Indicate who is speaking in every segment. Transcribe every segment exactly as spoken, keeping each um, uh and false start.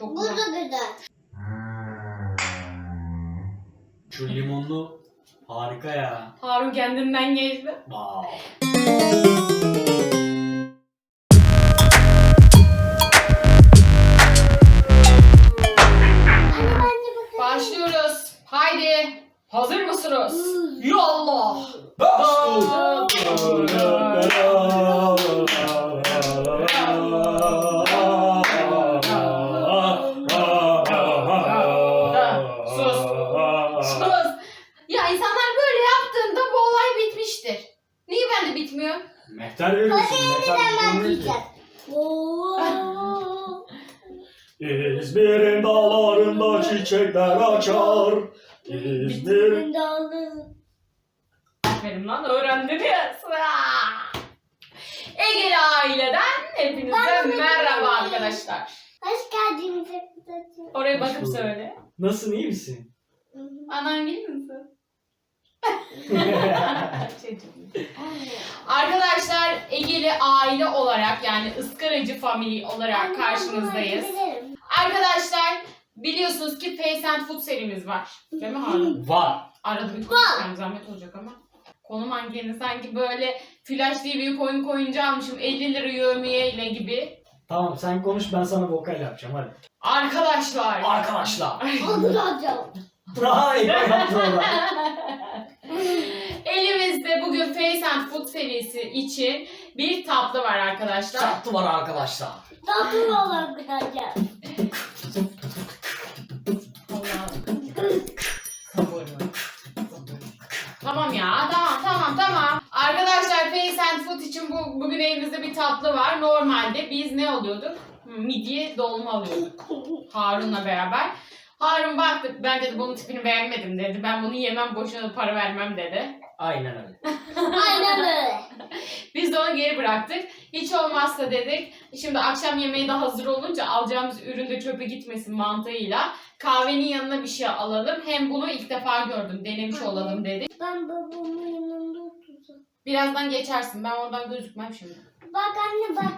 Speaker 1: Çok
Speaker 2: Bu
Speaker 1: güzel.
Speaker 2: da güzel.
Speaker 3: Şu limonlu harika ya.
Speaker 1: Harun kendinden geçti.
Speaker 3: Wow.
Speaker 2: Anne bence bakın.
Speaker 1: Başlıyoruz. Haydi. Hazır mısınız?
Speaker 2: Hmm.
Speaker 1: Yallah. Sus. Sus. Ya insanlar böyle yaptığında bu olay bitmiştir. Niye bende bitmiyor?
Speaker 3: Mehter veriyorsun. Mehter
Speaker 2: Hemen
Speaker 3: bilmiyor ki.
Speaker 2: diyeceğim. Oo.
Speaker 3: İzmir'in dağlarında çiçekler açar. İzmir'in...
Speaker 1: Aferin lan öğrendiniz. Ah! Egeli aileden hepinize
Speaker 2: Ben de
Speaker 1: merhaba
Speaker 2: bilmiyorum.
Speaker 1: arkadaşlar.
Speaker 2: Hoş geldiniz.
Speaker 1: Oraya
Speaker 3: Hoş
Speaker 1: bakıp
Speaker 3: bulduk.
Speaker 1: söyle.
Speaker 3: Nasılsın, iyi misin?
Speaker 1: Anan gelir misin? Arkadaşlar Egeli aile olarak yani ıskaracı family olarak karşınızdayız. Arkadaşlar biliyorsunuz ki Face and Food serimiz var. Değil mi Harun?
Speaker 3: Var.
Speaker 1: Arada bir konuşacağım zahmet olacak ama. Konum hangini sanki böyle Flash diye bir oyun koyunca almışım elli lira yövmiyeyle gibi.
Speaker 3: Tamam sen konuş, ben sana vokal yapacağım hadi.
Speaker 1: Arkadaşlar.
Speaker 3: Arkadaşlar.
Speaker 2: Anlatacağım.
Speaker 3: Hayır.
Speaker 1: Elimizde bugün Face and Food serisi için bir tatlı var arkadaşlar.
Speaker 3: Tatlı var arkadaşlar.
Speaker 2: Tatlı olan güzelce.
Speaker 1: Tamam ya, tamam tamam tamam. Arkadaşlar Face and Food için bu, bugün elimizde bir tatlı var. Normalde biz ne alıyorduk? Midye dolma alıyorduk Harun'la beraber. Harun baktı, ben dedi bunun tipini beğenmedim dedi. Ben bunu yemem, boşuna para vermem dedi.
Speaker 3: Aynen öyle.
Speaker 2: Aynen öyle.
Speaker 1: Biz de onu geri bıraktık. Hiç olmazsa dedik. Şimdi akşam yemeği de hazır olunca alacağımız ürün de çöpe gitmesin mantığıyla kahvenin yanına bir şey alalım. Hem bunu ilk defa gördüm, denemiş olalım dedik.
Speaker 2: Ben babamın yanında oturacağım.
Speaker 1: Birazdan geçersin. Ben oradan gözükmem şimdi.
Speaker 2: Bak anne bak.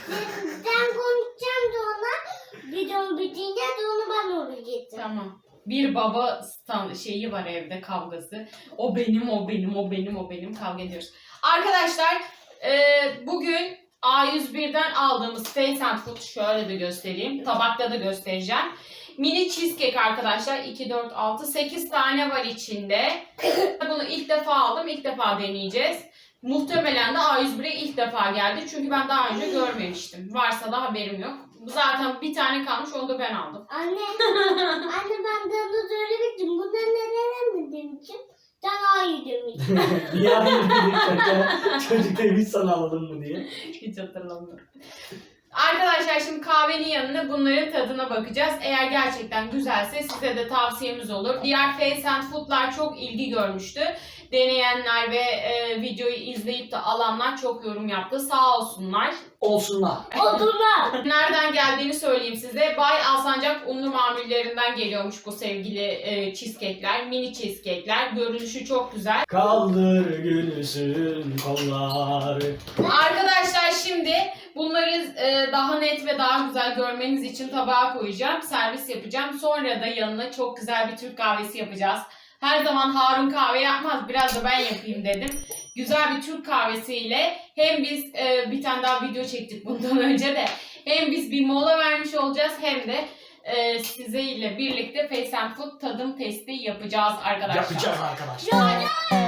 Speaker 2: Sen konuşacağım da ona. Videom bitince de onu ben oraya getireceğim.
Speaker 1: Tamam. Bir baba stand şeyi var evde kavgası. O benim, o benim, o benim, o benim kavga ediyoruz. Arkadaşlar e, bugün A yüz bir'den aldığımız Face and Food şöyle de göstereyim. Tabakta da göstereceğim. Mini cheesecake arkadaşlar. iki, dört, altı, sekiz tane var içinde. Bunu ilk defa aldım. İlk defa deneyeceğiz. Muhtemelen de A yüz bir'e ilk defa geldi. Çünkü ben daha önce görmemiştim. Varsa da haberim yok. Bu zaten bir tane kalmış. Onu da ben aldım.
Speaker 2: Anne. Anne ben de onu söylemiştim. Bunları neden mi demişim? Sen hayır demiştin.
Speaker 3: Niye hayır dedik? Çocuk demiş sana alalım mı diye.
Speaker 1: Hiç hatırlamıyorum. Arkadaşlar şimdi kahvenin yanına bunların tadına bakacağız. Eğer gerçekten güzelse size de tavsiyemiz olur. Diğer Face and Food'lar çok ilgi görmüştü. Deneyenler ve e, videoyu izleyip de alanlar çok yorum yaptı. Sağ olsunlar.
Speaker 3: Olsunlar.
Speaker 2: Odunlar.
Speaker 1: Nereden geldiğini söyleyeyim size. Bay Alsancak unlu mamullerinden geliyormuş bu sevgili e, cheesecake'ler. Mini cheesecake'ler. Görünüşü çok güzel.
Speaker 3: Kaldır gülsün kolları.
Speaker 1: Arkadaşlar şimdi bunları e, daha net ve daha güzel görmeniz için tabağa koyacağım. Servis yapacağım. Sonra da yanına çok güzel bir Türk kahvesi yapacağız. Her zaman Harun kahve yapmaz. Biraz da ben yapayım dedim. Güzel bir Türk kahvesiyle hem biz e, bir tane daha video çektik bundan önce de. Hem biz bir mola vermiş olacağız hem de e, size ile birlikte Face and Food tadım testi yapacağız arkadaşlar.
Speaker 3: Yapacağız arkadaşlar.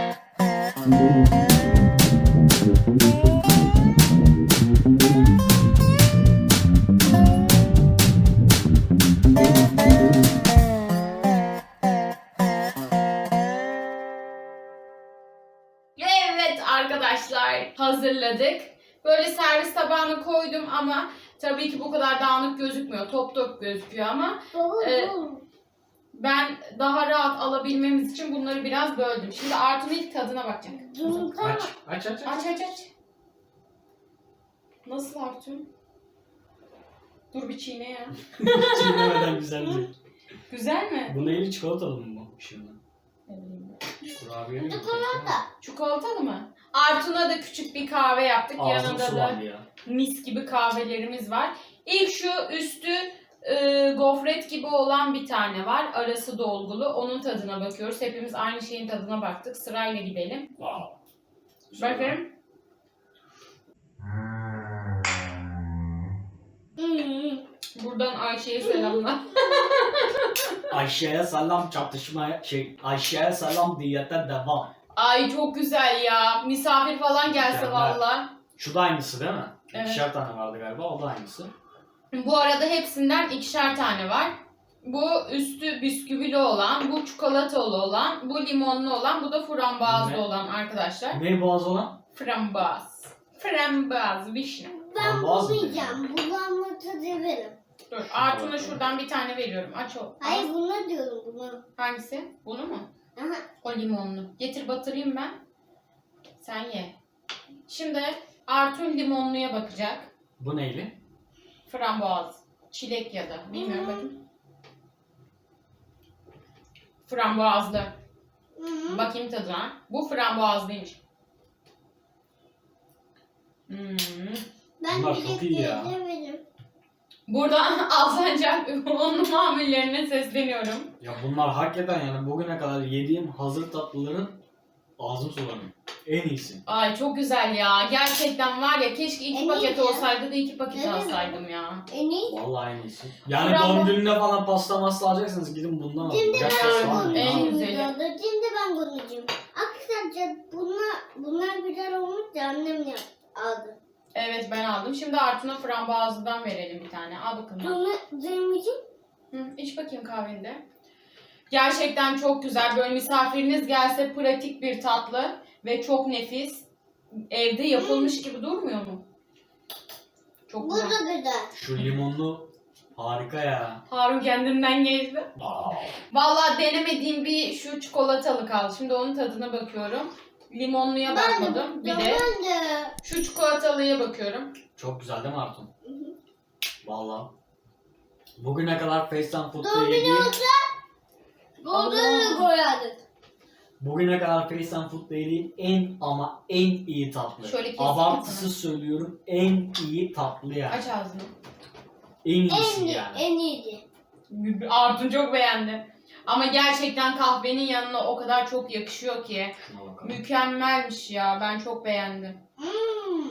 Speaker 1: Evet arkadaşlar hazırladık. Böyle servis tabağına koydum ama tabii ki bu kadar dağınık gözükmüyor. Top top gözüküyor ama
Speaker 2: Baba
Speaker 1: Ee,
Speaker 2: bu.
Speaker 1: ben daha rahat alabilmemiz için bunları biraz böldüm. Şimdi Artun'un ilk tadına bakacak.
Speaker 2: Dururken
Speaker 3: Aç, aç, aç, aç.
Speaker 1: Aç aç aç. Nasıl Artun? Dur bir çiğne ya.
Speaker 3: Çiğnemeden güzel değil.
Speaker 1: Güzel mi?
Speaker 3: Bu neyli, çikolatalı mı bu şimdi? Kurabiye mi?
Speaker 2: çikolata.
Speaker 1: Çikolatalı mı? Artun'a da küçük bir kahve yaptık.
Speaker 3: Ağzım
Speaker 1: Yanında da
Speaker 3: sulandı ya.
Speaker 1: mis gibi kahvelerimiz var. İlk şu üstü e, gofret gibi olan bir tane var. Arası dolgulu. Onun tadına bakıyoruz. Hepimiz aynı şeyin tadına baktık. Sırayla gidelim.
Speaker 3: Wow. Güzel.
Speaker 1: Bakalım.
Speaker 2: Hmm.
Speaker 1: Buradan Ayşe'ye selamlar.
Speaker 3: Ayşe'ye selam, çatışmaya şey Ayşe'ye selam, diyete devam.
Speaker 1: Ay çok güzel ya. Misafir falan gelse
Speaker 3: Mükemmel.
Speaker 1: valla.
Speaker 3: Şu da aynısı değil mi?
Speaker 1: Evet.
Speaker 3: İkişer tane vardı galiba, o da aynısı.
Speaker 1: Bu arada hepsinden ikişer tane var. Bu üstü bisküvili olan, bu çikolatalı olan, bu limonlu olan, bu da frambuazlı
Speaker 3: Ne?
Speaker 1: olan arkadaşlar.
Speaker 3: Ne boğaz olan?
Speaker 1: Frambuaz. Frambuaz, vişne.
Speaker 2: Ben
Speaker 3: Olmaz mı?
Speaker 2: bunu yiyeceğim. Bulanma tadı verim.
Speaker 1: Dur, Artun'a şuradan bir tane veriyorum. Aç o.
Speaker 2: Hayır bunu diyorum bunu.
Speaker 1: Hangisi? Bunu mu?
Speaker 2: Aha.
Speaker 1: O limonlu. Getir batırayım ben. Sen ye. Şimdi Artun limonluya bakacak.
Speaker 3: Bu neyli?
Speaker 1: Frambuaz. Çilek ya da. Bilmiyorum
Speaker 2: Hmm.
Speaker 1: bakayım. Frambuazlı.
Speaker 2: Hı.
Speaker 1: Bakayım tadına. Bu frambuazlıymış. Hmm.
Speaker 2: Ben
Speaker 3: Bunlar
Speaker 2: bir
Speaker 3: çok iyi ya.
Speaker 2: verim.
Speaker 1: Buradan Alsancak unlu mamullerine sesleniyorum.
Speaker 3: Ya bunlar hakikaten yani bugüne kadar yediğim hazır tatlıların ağzım sulanıyor. En iyisi.
Speaker 1: Ay çok güzel ya. Gerçekten var ya keşke iki
Speaker 2: En
Speaker 1: paket
Speaker 2: iyisi.
Speaker 1: olsaydı da iki paket
Speaker 2: Evet.
Speaker 1: alsaydım ya.
Speaker 2: En iyi.
Speaker 3: Vallahi en iyisi. Yani
Speaker 1: Bravo.
Speaker 3: doğum gününe falan pasta masla alacaksınız, gidin bundan alın.
Speaker 2: Şimdi
Speaker 3: Gerçekten
Speaker 2: ben
Speaker 3: var mı?
Speaker 1: en
Speaker 3: Abi,
Speaker 1: güzeli.
Speaker 2: konuşacağım. Şimdi ben konuşacağım. Arkadaşlar bunlar, bunlar güzel olmuş da annem yap, aldı.
Speaker 1: Evet ben aldım. Şimdi Artun'a frambuazlıdan verelim bir tane. Al bakalım.
Speaker 2: Sonra zemicim.
Speaker 1: Hı, iç bakayım kahvende. Gerçekten çok güzel. Böyle misafiriniz gelse pratik bir tatlı ve çok nefis. Evde yapılmış gibi durmuyor mu? Çok
Speaker 2: Bu
Speaker 1: güzel.
Speaker 2: da güzel.
Speaker 3: Şu limonlu harika ya.
Speaker 1: Harun kendinden geçti.
Speaker 3: Wow.
Speaker 1: Vallahi denemediğim bir şu çikolatalı kaldı. Şimdi onun tadına bakıyorum. Limonluya bakmadım. Bir de
Speaker 2: Ben de.
Speaker 1: şu çikolatalıya bakıyorum.
Speaker 3: Çok güzel değil mi Artun? Vallahi. Bugüne kadar Face and Food'da
Speaker 2: Doğum günü
Speaker 3: yediğim,
Speaker 2: olsa golden'ı koyardık.
Speaker 3: bugüne kadar Face and Food'da yediğim en ama en iyi tatlı.
Speaker 1: Şöyle keseyim
Speaker 3: Abartısız söylüyorum, en iyi tatlı yani.
Speaker 1: Aç ağzını.
Speaker 3: En iyisi
Speaker 2: En iyi,
Speaker 3: yani.
Speaker 2: en iyiydi.
Speaker 1: Artun çok beğendi. Ama gerçekten kahvenin yanına o kadar çok yakışıyor ki.
Speaker 3: Şuna bakalım.
Speaker 1: Mükemmelmiş ya. Ben çok beğendim.
Speaker 2: Hmm.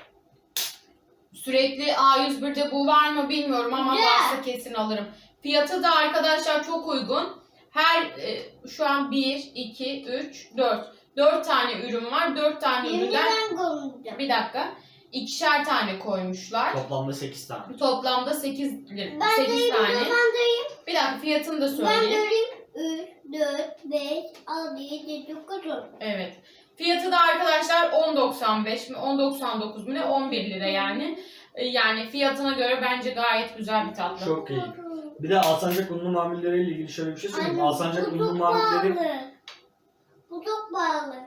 Speaker 1: Sürekli A yüz bir'de bu var mı bilmiyorum ama
Speaker 2: Güzel.
Speaker 1: varsa kesin alırım. Fiyatı da arkadaşlar çok uygun. Her e, şu an bir, iki, üç, dört. dört tane ürün var. dört tane
Speaker 2: Şimdi
Speaker 1: üründen
Speaker 2: ben konuşacağım.
Speaker 1: bir dakika. ikişer tane koymuşlar.
Speaker 3: Toplamda sekiz tane.
Speaker 1: Toplamda sekiz,
Speaker 2: Ben
Speaker 1: sekiz
Speaker 2: deyim,
Speaker 1: tane.
Speaker 2: ben deyim.
Speaker 1: Bir dakika fiyatını da
Speaker 2: Ben
Speaker 1: söyleyeyim.
Speaker 2: deyim. üç, dört, beş, altı, yedi, dokuz, on.
Speaker 1: Evet. Fiyatı da arkadaşlar on doksan beş mi on doksan dokuz mu ne on bir lira yani. E, Yani fiyatına göre bence gayet güzel bir tatlı.
Speaker 3: Çok iyi. Bir de Alsancak unlu mamulleriyle ilgili şöyle bir şey söyleyeyim.
Speaker 2: Anne,
Speaker 3: Alsancak
Speaker 2: bu
Speaker 3: unlu
Speaker 2: çok
Speaker 3: mamulleri,
Speaker 2: pahalı. Bu çok pahalı.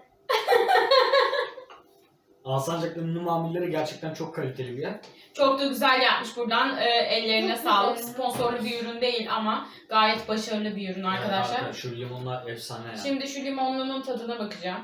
Speaker 3: Alsancak unlu mamulleri gerçekten çok kaliteli bir yer.
Speaker 1: Çok da güzel yapmış buradan. e, ellerine
Speaker 2: Çok
Speaker 1: sağlık.
Speaker 2: güzel.
Speaker 1: Sponsorlu bir ürün değil ama gayet başarılı bir ürün arkadaşlar.
Speaker 3: Evet, şu limonlar efsane ya.
Speaker 1: Şimdi şu limonlunun tadına bakacağım.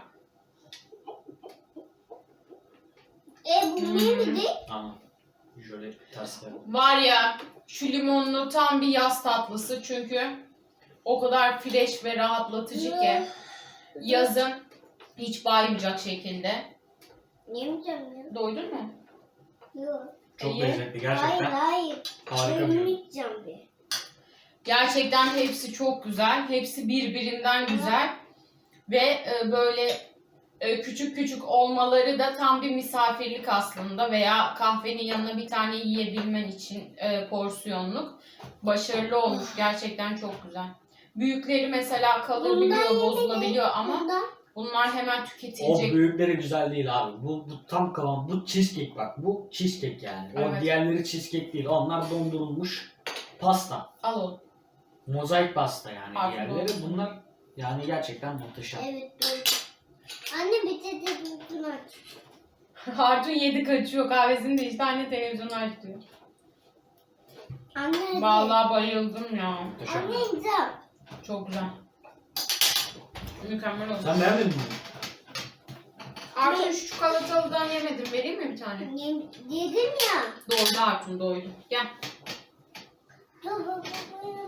Speaker 2: E bu
Speaker 1: Hmm.
Speaker 2: neydi?
Speaker 3: Tamam. Şöyle ters ver.
Speaker 1: Var ya şu limonlu tam bir yaz tatlısı çünkü o kadar fresh ve rahatlatıcı ki yazın hiç baymayacak şekilde.
Speaker 2: Yemeyeceğim ya.
Speaker 1: Doydun mu?
Speaker 2: Yok.
Speaker 3: Çok
Speaker 1: İyi.
Speaker 3: lezzetli
Speaker 2: Hayır
Speaker 3: gerçekten.
Speaker 2: hayır.
Speaker 3: Harika bir ürün.
Speaker 2: Yemeyeceğim bir.
Speaker 1: Gerçekten hepsi çok güzel. Hepsi birbirinden güzel. Ve e, böyle e, küçük küçük olmaları da tam bir misafirlik aslında. Veya kahvenin yanına bir tane yiyebilmen için e, porsiyonluk. Başarılı olmuş. Gerçekten çok güzel. Büyükleri mesela kalabiliyor, bozulabiliyor ama
Speaker 2: Bunda
Speaker 1: bunlar hemen
Speaker 3: O
Speaker 1: tüketilecek.
Speaker 3: büyükleri güzel değil abi. Bu, bu tam kıvam. Bu cheesecake bak. Bu cheesecake yani. O
Speaker 1: Evet.
Speaker 3: diğerleri cheesecake değil. Onlar dondurulmuş pasta.
Speaker 1: Al oğlum.
Speaker 3: Mozaik pasta yani
Speaker 1: Afiyet
Speaker 3: diğerleri.
Speaker 1: olsun.
Speaker 3: Bunlar yani gerçekten muhteşem.
Speaker 2: evet doğru. Anne bir de televizyonu aç.
Speaker 1: Artun yedi kaçıyor kahvesini de işte anne televizyonu aç diyor.
Speaker 2: Anne hadi.
Speaker 1: Vallahi bayıldım ya.
Speaker 3: Muhteşem.
Speaker 2: Anne güzel.
Speaker 1: Çok güzel. Mükemmel oldu.
Speaker 3: Sen beğenmedin mi?
Speaker 1: Artun şu çikolatalıdan yemedim. Vereyim mi bir tane?
Speaker 2: Yem- Yedim ya.
Speaker 1: Doydu Artun doydu. Gel.
Speaker 2: Dur, dur, dur, dur.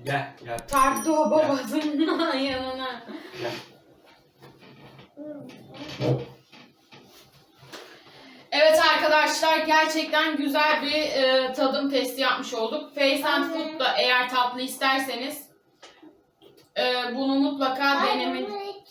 Speaker 3: Gel gel.
Speaker 1: Tarttı o babasının yanına.
Speaker 3: Gel.
Speaker 1: Evet arkadaşlar gerçekten güzel bir e, tadım testi yapmış olduk. Face and Food'da eğer tatlı isterseniz e, bunu mutlaka denemin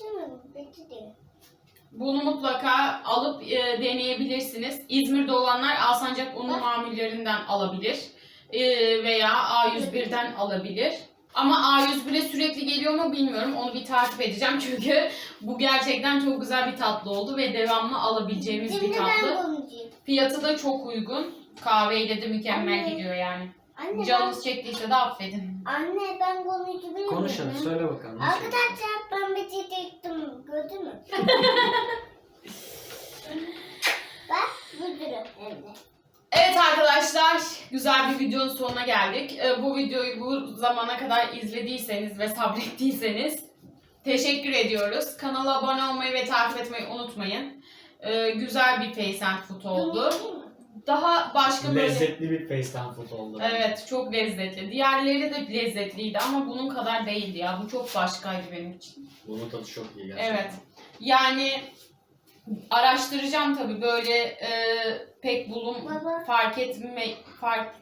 Speaker 1: bunu mutlaka alıp e, deneyebilirsiniz. İzmir'de olanlar Alsancak unlu mamullerinden alabilir e, veya A yüz birden alabilir. Ama A yüz bire sürekli geliyor mu bilmiyorum. Onu bir takip edeceğim çünkü bu gerçekten çok güzel bir tatlı oldu ve devamlı alabileceğimiz bir
Speaker 2: Şimdi ben
Speaker 1: tatlı.
Speaker 2: konuşayım.
Speaker 1: Fiyatı da çok uygun. Kahveyle de mükemmel
Speaker 2: Anne.
Speaker 1: gidiyor yani.
Speaker 2: Anne ben,
Speaker 1: Canınız çektiyse de affedin.
Speaker 2: anne ben konuşabilir miyim?
Speaker 3: Konuş hadi söyle bakalım. nasıl?
Speaker 2: Arkadaşlar ben bir şey çektim. Gördün mü? Bak müdürüm evde.
Speaker 1: Evet arkadaşlar, güzel bir videonun sonuna geldik. Ee, bu videoyu bu zamana kadar izlediyseniz ve sabrettiyseniz teşekkür ediyoruz. Kanala abone olmayı ve takip etmeyi unutmayın. Ee, güzel bir Face and Food oldu. Daha başka böyle...
Speaker 3: Lezzetli bir face and food oldu.
Speaker 1: Evet, çok lezzetli. Diğerleri de lezzetliydi ama bunun kadar değildi ya. Bu çok başkaydı benim için.
Speaker 3: Bunun tadı çok iyi gerçekten.
Speaker 1: Evet. Yani araştıracağım tabii böyle e, pek bulun
Speaker 2: Baba.
Speaker 1: fark etme fark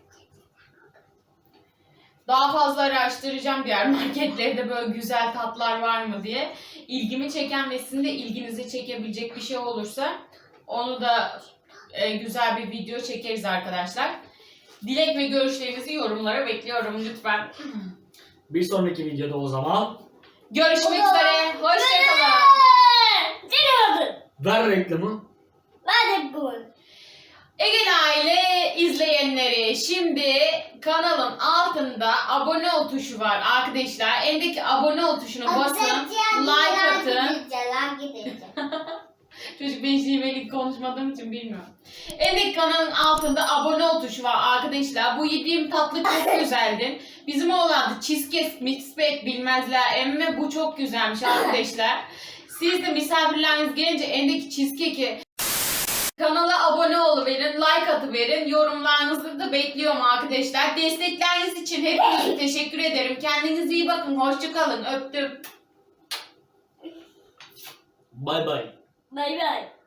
Speaker 1: daha fazla araştıracağım diğer marketlerde böyle güzel tatlar var mı diye. İlgimi çeken ve sizin de ilginizi çekebilecek bir şey olursa onu da e, güzel bir video çekeriz arkadaşlar. Dilek ve görüşlerinizi yorumlara bekliyorum lütfen.
Speaker 3: Bir sonraki videoda o zaman
Speaker 1: Görüşmek üzere. Hoşçakalın.
Speaker 2: Dinliyordun.
Speaker 3: ver reklamı.
Speaker 2: Ben de bu.
Speaker 1: Egen Aile izleyenleri, şimdi kanalın altında abone ol tuşu var arkadaşlar. Endeki abone ol tuşuna basın, like atın. Çocuk ben şiveli konuşmadığım için bilmiyorum. Endeki kanalın altında abone ol tuşu var arkadaşlar. Bu yediğim tatlı çok güzeldi. Bizim oğlan da cheesecake, mixpack bilmezler. Emme bu çok güzelmiş arkadaşlar. Siz de misafirleriniz gelince endeki cheesecake'i kanala abone oluverin, like atıverin. Yorumlarınızı da bekliyorum arkadaşlar. Destekleriniz için hepinize teşekkür ederim. Kendinize iyi bakın. Hoşçakalın. Öptüm.
Speaker 3: Bay bay.
Speaker 2: Bay bay.